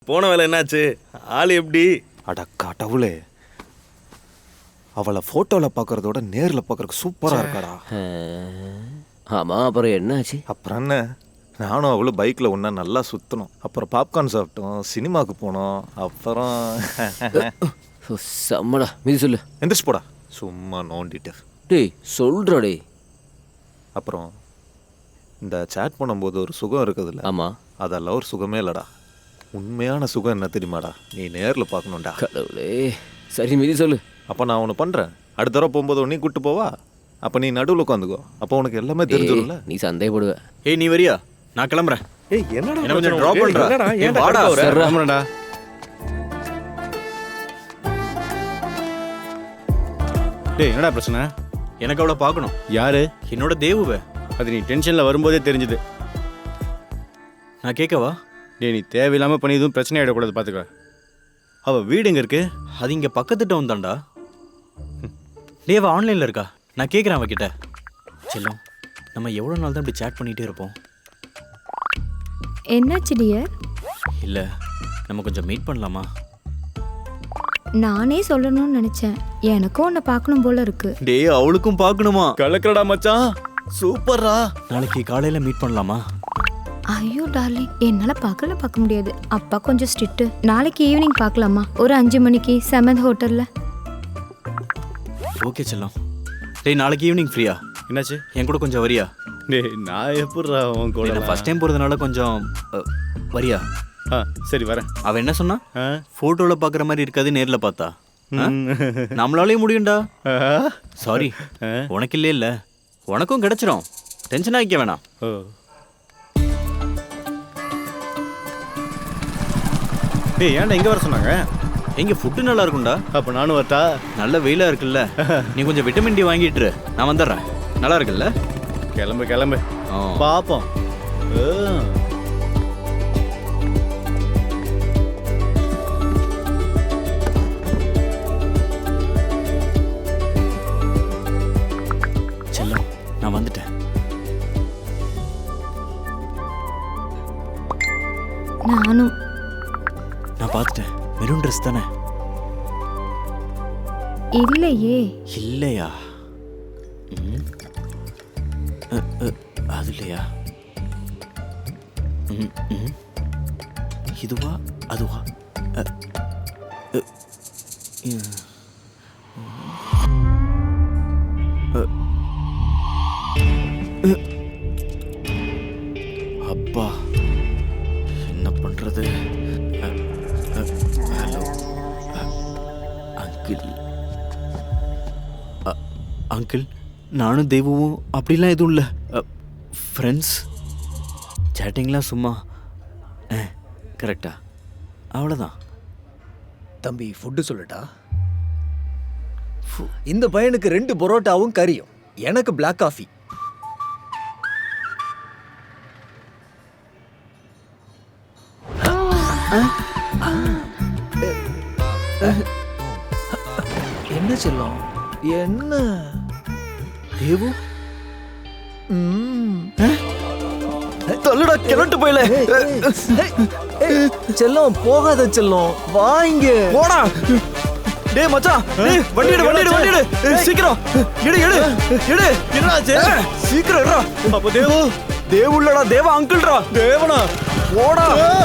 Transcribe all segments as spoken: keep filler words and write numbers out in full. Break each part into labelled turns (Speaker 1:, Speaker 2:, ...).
Speaker 1: போன வேலை என்னாச்சு? ஆள் எப்படி?
Speaker 2: அட கடவுளே, அவளை ஃபோட்டோவில் பார்க்குறதோட நேரில் பார்க்குறக்கு சூப்பராக இருக்காடா.
Speaker 3: ஆமாம், அப்புறம் என்னாச்சு?
Speaker 2: அப்புறம் என்ன, நானும் அவளும் பைக்கில் ஒன்றா நல்லா சுற்றணும். அப்புறம் பாப்கார்ன் சாப்பிட்டோம், சினிமாவுக்கு போனோம். அப்புறம்
Speaker 3: செம்மடா, மீதி சொல்லு.
Speaker 2: எந்திரிச்சு போடா, சும்மா நோண்டிட்டு.
Speaker 3: டேய் சொல்கிறா டே.
Speaker 2: அப்புறம் இந்த சேட் பண்ணும்போது ஒரு சுகம் இருக்குதுல்ல,
Speaker 3: ஆமாம்,
Speaker 2: அதெல்லாம் ஒரு சுகமே இல்லைடா. உண்மையான சுகம் என்ன தெரியுமாடா? நீ நேரில் பார்க்கணும்டா.
Speaker 3: கடவுளே, சரி மீதி சொல்லு.
Speaker 2: அப்போ நான் ஒன்று பண்ணுறேன், அடுத்த தடவை போகும்போது நீ கூப்பிட்டு போவா, அப்போ நீ நடுவில் உட்காந்துக்கோ. அப்போ உனக்கு எல்லாமே தெரிஞ்சிடும்ல.
Speaker 3: நீ சந்தேகப்படுவ.
Speaker 1: ஏய் நீ வரியா? நான் கிளம்புறேன்.
Speaker 2: ஏய் என்னடா
Speaker 1: என்ன கொஞ்சம் ட்ராப் பண்றா?
Speaker 2: ஏய்
Speaker 1: வாடா.
Speaker 2: கிளம்புறடா.
Speaker 4: டேய் என்னடா பிரச்சனை?
Speaker 1: எனக்கு அவளை பார்க்கணும்.
Speaker 4: யாரு?
Speaker 1: என்னோட தேவுவே.
Speaker 4: அது நீ டென்ஷனில் வரும்போதே தெரிஞ்சுது.
Speaker 1: நான் கேட்கவா?
Speaker 4: டேய் நீ தேவையில்லாமல் பண்ணி எதுவும் பிரச்சனை ஆகிடக்கூடாது, பார்த்துக்க. அவள் வீடு எங்கே இருக்கு?
Speaker 1: அது இங்கே பக்கத்து டவுன் தான்டா. தேவா ஆன்லைனில் இருக்கா? நான் கேட்குறேன் அவகிட்ட. செல்லம், நம்ம எவ்வளோ நாள் தான் இப்படி சேட் பண்ணிகிட்டே இருப்போம்?
Speaker 5: என்னாச்சு டியர்?
Speaker 1: இல்லை, நம்ம கொஞ்சம் மீட் பண்ணலாமா?
Speaker 5: நானே சொல்லணும்னு நினைச்சேன், எனக்கும் உன்னை பார்க்கணும் போல இருக்கு.
Speaker 1: டேய் அவளுக்கும் பார்க்கணுமா?
Speaker 4: கலக்கடா மச்சான்,
Speaker 1: சூப்பர்ரா. நாளைக்கு காலையில் மீட் பண்ணலாமா?
Speaker 5: ஐயோ டார்லிங், என்னால பார்க்கல பார்க்க முடியாது. அப்பா கொஞ்சம் ஸ்ட்ரிக்ட். நாளைக்கு ஈவினிங் பார்க்கலாமா? ஒரு அஞ்சு மணிக்கு செமந்த் ஹோட்டல்ல.
Speaker 1: ஓகே செல்லம். டேய் நாளைக்கு ஈவினிங் ஃப்ரீயா?
Speaker 4: என்னாச்சு?
Speaker 1: என் கூட கொஞ்சம் வரியா?
Speaker 4: டேய் நான் எப்படிடா உன் கூட?
Speaker 1: நான் ஃபர்ஸ்ட் டைம் போகிறதுனால கொஞ்சம் அ, வரியா?
Speaker 4: ஆ சரி வரேன்.
Speaker 1: அவன் என்ன சொன்னா?
Speaker 4: ஆ
Speaker 1: ஃபோட்டோவில் பார்க்குற மாதிரி இருக்காது, நேரில் பார்த்தா. ஆ? நம்மளாலேயும் முடியும்டா. சாரி, உனக்கு இல்லையே இல்லை, உனக்கும் கிடைச்சிரும். டென்ஷன் ஆகிக்க வேணாம்.
Speaker 4: ஓ டேய் ஏன்டா இங்கே வர சொன்னாங்க?
Speaker 1: எங்கே ஃபுட்டு நல்லா இருக்கும்டா.
Speaker 4: அப்போ நானும் வரட்டா?
Speaker 1: நல்ல வெயிலாக இருக்குல்ல, நீ கொஞ்சம் விட்டமின் டி வாங்கிட்டு இரு, நான் வந்துடுறேன். நல்லா இருக்குல்ல?
Speaker 4: கிளம்பு கிளம்பு,
Speaker 1: ஆ.
Speaker 4: பார்ப்போம்.
Speaker 1: செல்லம், நான் வந்துட்டேன்.
Speaker 5: நானும்.
Speaker 1: நான் பார்த்துட்டேன். மெரூன் ட்ரெஸ் தானே?
Speaker 5: இல்லையே.
Speaker 1: இல்லையா? ம். அ, அ, அது இல்லையா? ம், ம். இதுவா அதுவா? அ, அ, ம். அ, அ. அப்பா, என்ன பண்றது? அ, அ, ஹலோ அ, அங்கிள். அ, அங்கிள், நானும் தெய்வமும் அப்படிலாம் எதுவும் இல்லை. ஃப்ரெண்ட்ஸ், சேட்டிங்லாம் சும்மா. ஆ கரெக்டா, அவ்வளோதான்.
Speaker 6: தம்பி ஃபுட்டு சொல்லட்டா? இந்த பையனுக்கு ரெண்டு பரோட்டாவும் கறியும், எனக்கு பிளாக் காஃபி. என்ன செல்லம் என்ன
Speaker 1: தேவு?
Speaker 6: ம்.
Speaker 1: தள்ளுடா, கிளட்டு போயில.
Speaker 6: செல்லம் போகாத செல்லம், வாங்க
Speaker 1: போடா. டேய் மச்சான், டேய் வண்டி எடு, வண்டி எடு, வண்டி எடு. ஏய், சீக்கிரம் எடு, எடு, எடு. என்னாச்சு? சீக்கிரம் எடுடா.
Speaker 4: அப்போ தேவு?
Speaker 1: தேவுள்ளடா, தேவா அங்கிள்டா.
Speaker 4: தேவனா?
Speaker 1: போடா.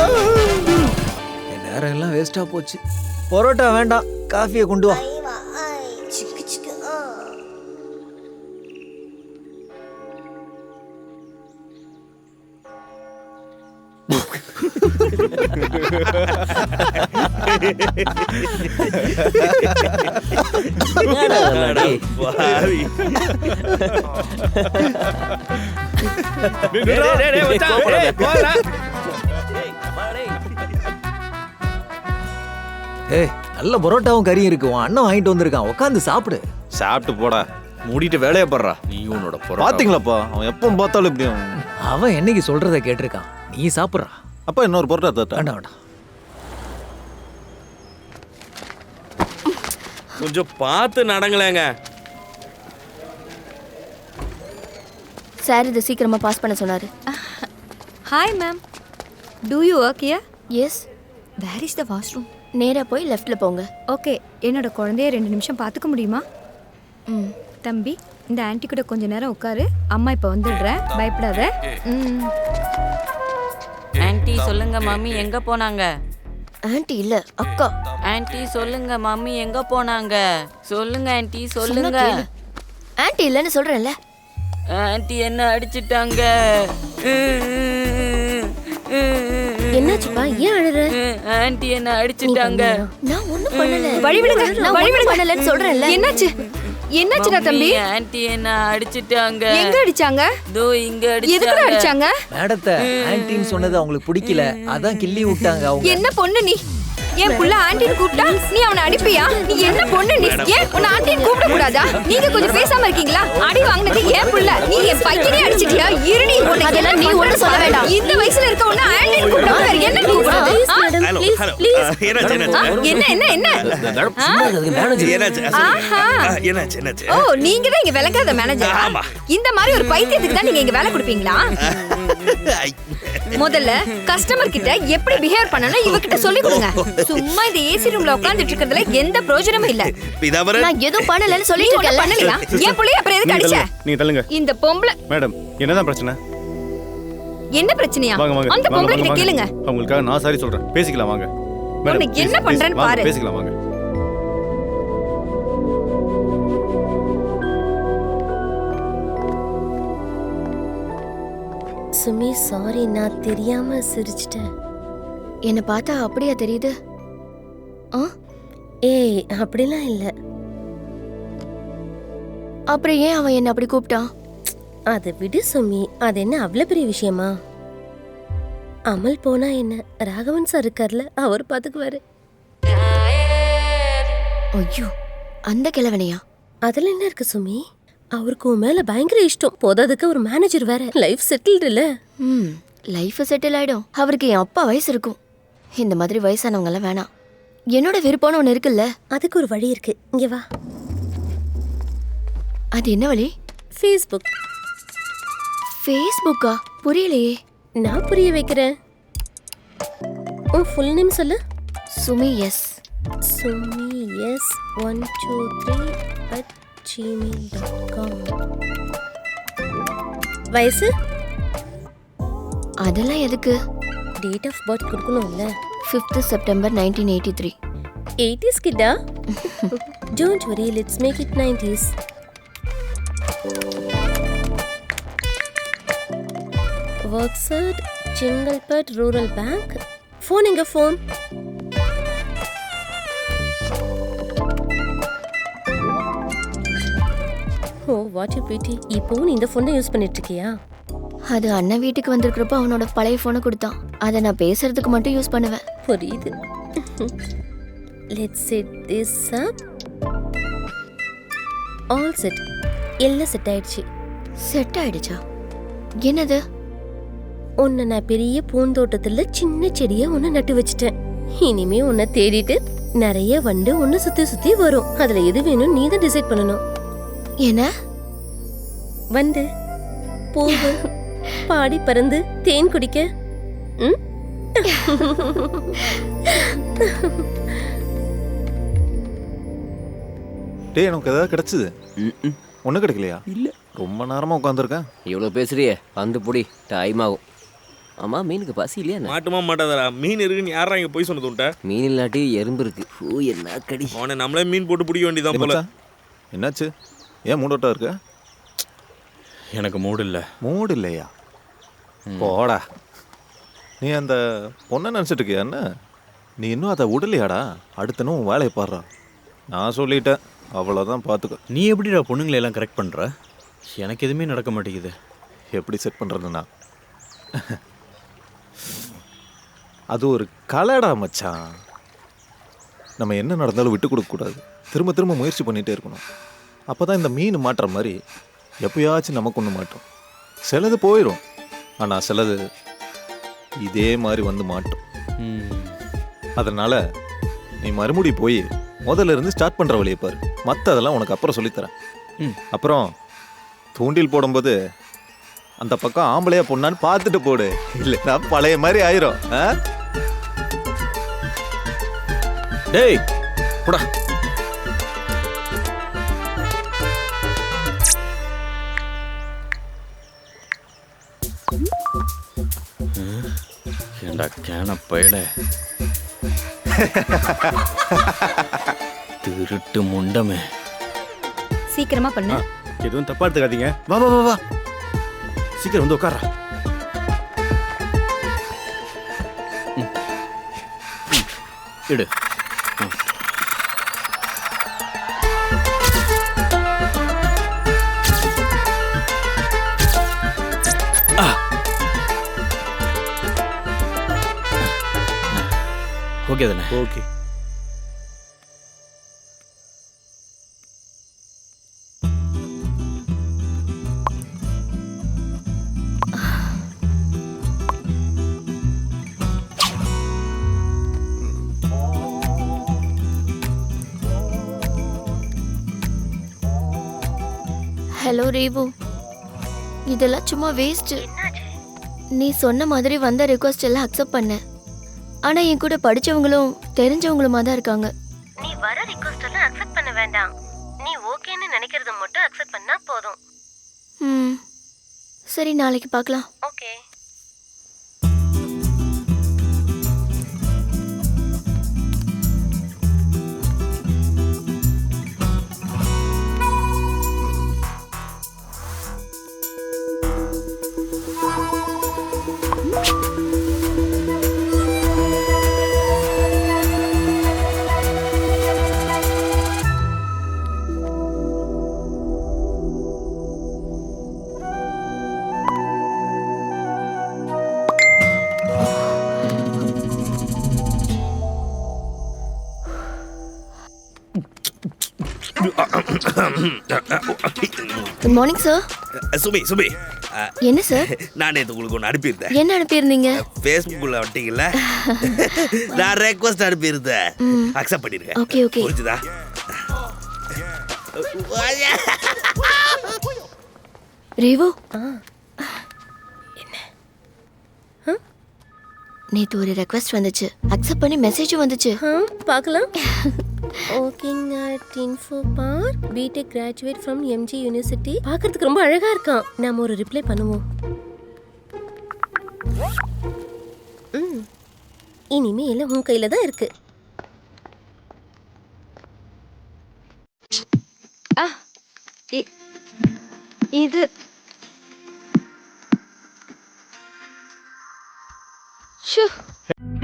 Speaker 6: என் நேரம் எல்லாம் வேஸ்டா போச்சு. பரோட்டா வேண்டாம், காஃபியை கொண்டு வா.
Speaker 1: பாவி.
Speaker 6: ஏய் நல்ல பரோட்டாவும் கறியும் இருக்கு, உன் அண்ணன் வாங்கிட்டு வந்திருக்கான், உட்காந்து சாப்பிடு.
Speaker 2: சாப்பிட்டு போடா.
Speaker 1: மூடிட்டு வேலையை படுறா. நீ உன்னோட போற.
Speaker 2: பார்த்தீங்களாப்பா, அவன் எப்போ பார்த்தாலும் இப்படி.
Speaker 6: அவன் என்னைக்கு சொல்றத கேட்டிருக்கான், நீ சாப்பிட்றா.
Speaker 2: அப்பா இன்னொரு பொருட்டா தட்டா?
Speaker 6: வேண்டாம் வேண்டாம்.
Speaker 1: கொஞ்சம் பார்த்து நடங்களேங்க.
Speaker 7: சார் இதை சீக்கிரமாக பாஸ் பண்ண சொன்னார்.
Speaker 5: Hi ma'am, do you work here?
Speaker 7: Yes.
Speaker 5: Where is the washroom?
Speaker 7: நேரா போய் லெஃப்ட்ல போங்க.
Speaker 5: ஓகே, என்னோட குழந்தைய ரெண்டு நிமிஷம் பார்த்துக்க முடியுமா?
Speaker 7: ம்.
Speaker 5: தம்பி, இந்த ஆன்ட்டி கூட கொஞ்ச நேரம் உட்காரு. அம்மா இப்போ வந்துடுறேன், பயப்படாத. ம்.
Speaker 8: ஆன்ட்டி சொல்லுங்க மம்மி எங்க போனாங்க?
Speaker 7: ஆன்ட்டி இல்ல, அக்கா.
Speaker 8: ஆன்ட்டி சொல்லுங்க மம்மி எங்க போனாங்க? சொல்லுங்க ஆன்ட்டி சொல்லுங்க.
Speaker 7: ஆன்ட்டி இல்லன்னு சொல்றேன்ல.
Speaker 8: ஆன்ட்டி என்ன அடிச்சிட்டாங்க.
Speaker 7: என்னாச்சுப்பா, ஏன் அழற?
Speaker 8: ஆன்ட்டி என்ன அடிச்சிட்டாங்க.
Speaker 7: நான் ஒண்ணும் பண்ணல.
Speaker 5: வழி விடுங்க,
Speaker 7: நான்
Speaker 5: வழி
Speaker 7: ஒண்ணும்
Speaker 5: விடுங்க.
Speaker 7: பண்ணலன்னு சொல்றேன்ல.
Speaker 5: என்னாச்சு? என்னாச்சுடா தம்பி?
Speaker 8: ஆன்ட்டி என்ன அடிச்சிட்டாங்க.
Speaker 5: எங்க அடிச்சாங்க?
Speaker 8: தோ இங்க
Speaker 5: எதுக்குடா
Speaker 8: அடிச்சாங்க.
Speaker 5: அடிச்சாங்க?
Speaker 6: மேடத்தை ஆன்ட்டின்னு சொன்னது அவங்களுக்கு பிடிக்கல, அதான் கிள்ளி விட்டாங்க அவங்க.
Speaker 5: என்ன பொண்ணு நீ? என் புள்ள ஆண்டின்னு கூப்பிட்டா நீ அவனை அடிப்பியா? நீ என்ன பொண்ணு நீ? ஏன் உன்னை ஆண்டின்னு கூப்பிட கூடாதா? நீங்க கொஞ்சம் பேசாம இருக்கீங்களா? அடி வாங்கினது ஏன் புள்ள? நீ என் பையனே அடிச்சிட்டியா? இருடி, உனக்கு
Speaker 7: அதெல்லாம் நீ ஒண்ணும் சொல்ல வேண்டாம்.
Speaker 5: இந்த வயசுல இருக்க உன்னை ஆண்டின்னு கூப்பிடாம வேற என்ன கூப்பிடுறது? ஆ? ஆ? என்ன என்ன என்ன?
Speaker 3: சும்மா இருக்கிறதுக்கு மேனேஜர்.
Speaker 5: ஆஹா. ஓ, நீங்க தான் இங்க விளக்காத மேனேஜர். இந்த மாதிரி ஒரு பைத்தியத்துக்கு தான் நீங்க இங்க வேலை கொடுப்பீங்களா? முதல்ல கஸ்டமர் கிட்ட எப்படி பிஹேவ் பண்ணனும் இவகிட்ட சொல்லி கொடுங்க. சும்மா இந்த ஏசி ரூம்ல உட்கார்ந்துட்டு இருக்கிறதுல எந்த பிரயோஜனமும் இல்ல.
Speaker 7: நான் எதுவும் பண்ணலன்னு சொல்லிட்டு
Speaker 5: நீ ஒண்ணும் பண்ணலையா? ஏன் புள்ளைய அப்புறம் எதுக்கு அடிச்ச?
Speaker 4: நீங்க தள்ளுங்க.
Speaker 5: இந்த பொம்பளை
Speaker 4: மேடம், என்னதான் பிரச்சனை?
Speaker 5: என்ன பிரச்சனையா?
Speaker 4: வாங்க வாங்க.
Speaker 5: அந்த
Speaker 4: வாங்க,
Speaker 5: பொம்பளை
Speaker 4: வாங்க,
Speaker 5: கிட்ட
Speaker 4: வாங்க.
Speaker 5: கேளுங்க.
Speaker 4: அவங்களுக்காக நான் சாரி சொல்றேன். பேசிக்கலாம் வாங்க. மேடம்,
Speaker 5: உனக்கு என்ன
Speaker 4: please,
Speaker 5: பண்றேன்னு
Speaker 4: please, வாங்க,
Speaker 5: பாரு.
Speaker 4: பேசிக்கலாம் வாங்க.
Speaker 7: சுமி, சாரி, நான் தெரியாம சிரிச்சிட்டேன். என்ன பார்த்தா அப்படியா தெரியுது? ஆ? ஏய், அப்படிலாம் இல்ல. அப்புறம் ஏன் அவன் என்ன அப்படி கூப்பிட்டான்?
Speaker 9: அதை விடு சுமி, அது என்ன அவ்வளவு பெரிய விஷயமா? அமல் போனா என்ன, ராகவன் சார் இருக்கார்ல, அவர் பாத்துக்குவாரு.
Speaker 7: ஐயோ, அந்த கிழவனையா?
Speaker 9: அதுல என்ன இருக்கு சுமி? அவருக்கு உன் மேல பயங்கர இஷ்டம். போதாதுக்கு ஒரு மேனேஜர் வேற. லைஃப் செட்டில்டு இல்ல?
Speaker 7: ம், லைஃப் செட்டில் ஆயிடும். அவருக்கு என் அப்பா வயசு இருக்கும். இந்த மாதிரி வயசானவங்க எல்லாம் வேணாம். என்னோட விருப்பம்னு ஒன்று இருக்குல்ல.
Speaker 9: அதுக்கு ஒரு வழி இருக்கு, இங்க வா.
Speaker 7: அது என்ன வழி?
Speaker 9: ஃபேஸ்புக்.
Speaker 7: ஃபேஸ்புக்கா? புரியலையே.
Speaker 9: நான் புரிய வைக்கிறேன். உன் ஃபுல் நேம் சொல்லு.
Speaker 7: Sumi S.
Speaker 9: Sumi S one two three at Gmail dot com. வயசு?
Speaker 7: அதெல்லாம் எதுக்கு?
Speaker 9: டேட் ஆஃப் பர்த் கொடுக்கணும்ல.
Speaker 7: Fifth September nineteen eighty three.
Speaker 9: Eighties கிட்டா? Don't worry, let's make it nineties. Works at Chengalpattu rural bank. Phone எங்க? Phone oh, what you பிடி. இப்போ நீ இந்த ஃபோன் தான் யூஸ் பண்ணிட்டு இருக்கியா?
Speaker 7: அது அண்ணன் வீட்டுக்கு வந்திருக்கிறப்ப அவனோட பழைய ஃபோனை கொடுத்தான். அதை நான் பேசுறதுக்கு மட்டும் யூஸ் பண்ணுவேன்.
Speaker 9: புரியுது. Let's set this up. All set. எல்லாம் செட் ஆயிடுச்சு.
Speaker 7: செட் ஆயிடுச்சா? என்னது?
Speaker 9: உன்னை நான் பெரிய பூந்தோட்டத்துல சின்ன செடியா உன்னை நட்டு வச்சுட்டேன். இனிமே உன்னை தேடிட்டு நிறைய வண்டு உன்னை சுத்தி சுத்தி வரும். அதுல எது வேணும் நீ தான் டிசைட் பண்ணணும்.
Speaker 7: என்ன?
Speaker 9: வண்டு, பூவு, பாடி பறந்து தேன் குடிக்க. ம்?
Speaker 2: டேய், எனக்கு ஏதாவது கிடைச்சது?
Speaker 3: ம்
Speaker 2: ஒன்றும் கிடைக்கலையா?
Speaker 3: இல்ல.
Speaker 2: ரொம்ப நேரமாக உட்காந்துருக்கேன்.
Speaker 3: இவ்வளோ பேசுறியே, வந்து புடி, டைம் ஆகும். ஆமா, மீனுக்கு பசி இல்லையா என்ன?
Speaker 10: மாட்டுமா மாட்டாதடா. மீன் இருக்குன்னு யாரா இங்க போய் சொன்னது உன்ட்ட?
Speaker 3: மீன் இல்லாட்டி எறும்பு இருக்கு. ஓ, என்ன கடி.
Speaker 10: அவனை நம்மளே மீன் போட்டு பிடிக்க வேண்டியதான் போல.
Speaker 2: என்னாச்சு? ஏன் மூடோட்டா இருக்க?
Speaker 1: எனக்கு மூடு இல்லை.
Speaker 2: மூடு இல்லையா? போடா. நீ அந்த பொண்ணை நினச்சிட்டு இருக்கியா என்ன? நீ இன்னும் அதை விடலையாடா? அடுத்தனும் உன் வேலையை பாடுறா. நான் சொல்லிட்டேன், அவ்வளோதான், பார்த்துக்க.
Speaker 1: நீ எப்படிடா பொண்ணுங்களை எல்லாம் கரெக்ட் பண்ணுற? எனக்கு எதுவுமே நடக்க மாட்டேங்குது.
Speaker 2: எப்படி செட் பண்ணுறதுன்னா, அது ஒரு கலைடா மச்சான். நம்ம என்ன நடந்தாலும் விட்டு கொடுக்கக்கூடாது. திரும்ப திரும்ப முயற்சி பண்ணிகிட்டே இருக்கணும். அப்போ தான் இந்த மீன் மாட்டுற மாதிரி எப்போயாச்சும் நமக்கு ஒன்று மாட்டோம். சிலது போயிடும், ஆனால் சிலது இதே மாதிரி வந்து மாட்டோம். அதனால் நீ மறுபடி போய் முதல்ல இருந்து ஸ்டார்ட் பண்ணுற வழியை பாரு. மற்றதெல்லாம் உனக்கு அப்புறம் சொல்லித்தரேன். அப்புறம் தூண்டில் போடும்போது அந்த பக்கம் ஆம்பளையா பொண்ணான்னு பார்த்துட்டு போடு, இல்லைன்னா பழைய மாதிரி ஆயிரும்.
Speaker 1: டேய் போடா. ஏண்டா கேன பயல திருட்டு முண்டமே.
Speaker 5: சீக்கிரமா பண்ணு.
Speaker 4: எதுவும் தப்பா எடுத்துக்காதீங்க. வா வா வா வா சீக்கிரம் வந்து உட்காரா.
Speaker 1: இடு. ஓகே தானே?
Speaker 4: ஓகே.
Speaker 7: ஹலோ ரேவு, இதெல்லாம் சும்மா வேஸ்ட். நீ சொன்ன மாதிரி வந்த ரிக்வெஸ்ட் எல்லாம் அக்செப்ட் பண்ண. ஆனா என் கூட படிச்சவங்களும் தெரிஞ்சவங்களுமா தான் இருக்காங்க. நீ வர ரிக்வெஸ்ட் எல்லாம் அக்செப்ட் பண்ண வேண்டாம். நீ ஓகேன்னு நினைக்கிறத மட்டும் அக்செப்ட் பண்ணா போதும். ம் சரி, நாளைக்கு பார்க்கலாம். ஓகே. Good morning sir.
Speaker 10: சுபி சுபி
Speaker 7: என்ன சார்?
Speaker 10: நான் நேற்று உங்களுக்கு ஒன்று அனுப்பியிருந்தேன்.
Speaker 7: என்ன அனுப்பியிருந்தீங்க?
Speaker 10: ஃபேஸ்புக்கில் வந்துட்டீங்கல்ல, நான் ரெக்வஸ்ட் அனுப்பியிருந்தேன். அக்செப்ட் பண்ணிருக்கேன்.
Speaker 7: Okay okay.
Speaker 10: புரிஞ்சுதா?
Speaker 7: ரேவு, என்ன நேத்து ஒரு ரெக்வெஸ்ட் வந்துச்சு, அக்செப்ட் பண்ணி மெசேஜும் வந்துச்சு. பார்க்கலாம். ஓகேங் at Infopark BTech graduate from MG University. பார்க்கறதுக்கு ரொம்ப அழகா இருக்கான். நாம ஒரு ரிப்ளை பண்ணுவோம். ம் இனிமே எல்லாம் உன் கையில தான் இருக்கு.
Speaker 5: இது ஷூ